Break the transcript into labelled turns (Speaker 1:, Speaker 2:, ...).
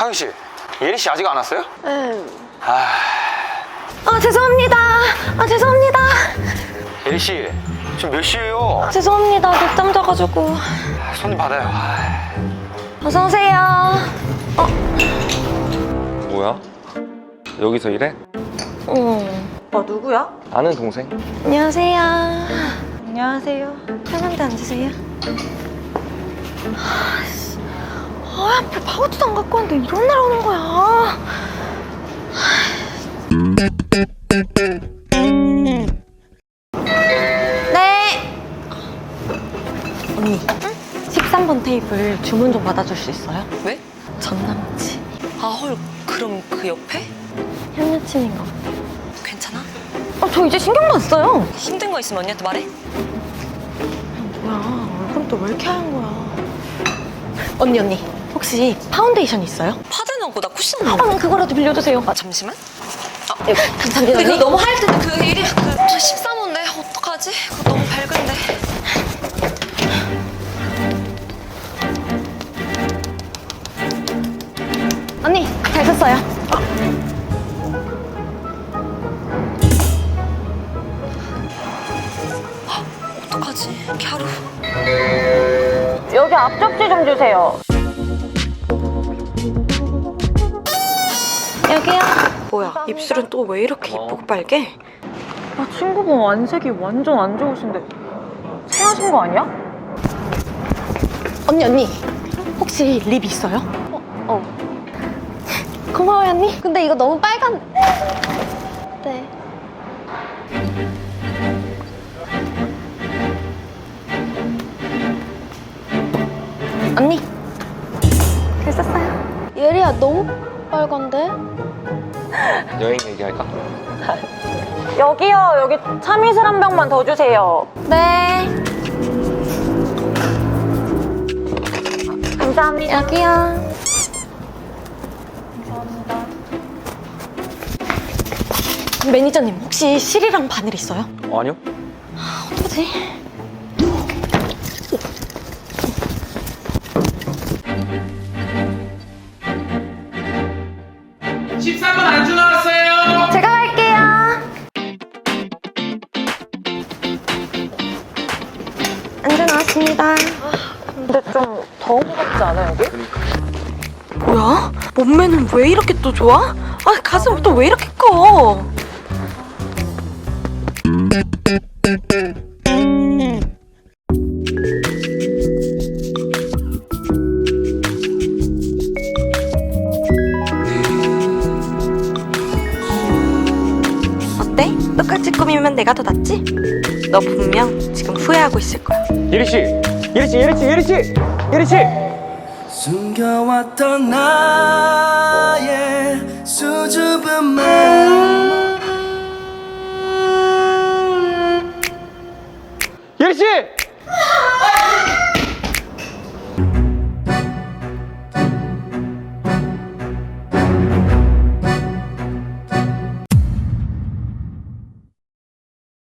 Speaker 1: 하경 씨, 예리 씨 아직 안 왔어요?
Speaker 2: 네.
Speaker 3: 죄송합니다. 죄송합니다.
Speaker 1: 예리 씨, 지금 몇 시예요?
Speaker 3: 죄송합니다. 늦잠 자가지고.
Speaker 1: 손님 받아요.
Speaker 3: 어서 오세요.
Speaker 4: 뭐야? 여기서 일해?
Speaker 2: 누구야?
Speaker 4: 아는 동생?
Speaker 3: 안녕하세요.
Speaker 2: 안녕하세요.
Speaker 3: 편한데 앉으세요. 하필 파우치도 안 갖고 왔는데 이런 날 오는 거야. 네. 언니, 13번 테이블 주문 좀 받아줄 수 있어요?
Speaker 5: 왜?
Speaker 3: 전 남친.
Speaker 5: 헐, 그럼 그 옆에?
Speaker 3: 현 여친인 것 같아.
Speaker 5: 괜찮아?
Speaker 3: 저 이제 신경도 안 써요.
Speaker 5: 힘든 거 있으면 언니한테 말해.
Speaker 3: 뭐야, 얼굴은 또 왜 이렇게 하얀 거야. 언니, 혹시 파운데이션 있어요?
Speaker 5: 파데는 없고 나 쿠션.
Speaker 3: 그럼 그거라도 빌려주세요.
Speaker 5: 잠시만.
Speaker 3: 감사합니다.
Speaker 5: 근데 그거
Speaker 3: 언니.
Speaker 5: 너무 하얄 텐데 그 일이 그 13호인데 어떡하지? 그거 너무 밝은데.
Speaker 3: 언니, 잘 썼어요.
Speaker 5: 어떡하지? 갸루.
Speaker 3: 여기 앞접시 좀 주세요. 여기요.
Speaker 2: 뭐야, 입술은 또 왜 이렇게 이쁘고 빨개?
Speaker 3: 친구가 안색이 완전 안 좋으신데 체하신 거 아니야? 언니 혹시 립 있어요? 고마워요 언니. 근데 이거 너무 빨간. 네. 언니 글 썼어요. 예리야 너무 빨간데?
Speaker 4: 여행 얘기할까?
Speaker 3: 여기요. 여기 참이슬 한 병만 더 주세요. 네. 감사합니다. 여기요. 감사합니다. 매니저님 혹시 실이랑 바늘 있어요?
Speaker 4: 아니요.
Speaker 3: 어떡하지?
Speaker 6: 13번 안주 나왔어요.
Speaker 3: 제가 갈게요. 안주 나왔습니다. 근데 좀 더운 것 같지 않아 여기?
Speaker 2: 뭐야? 몸매는 왜 이렇게 또 좋아? 가슴 또 왜 이렇게 커? 어때? 똑같이 꾸미면 내가 더 낫지? 너 분명 지금 후회하고 있을 거야.
Speaker 4: 예리 씨,
Speaker 7: 숨겨왔던 나의 수줍은 말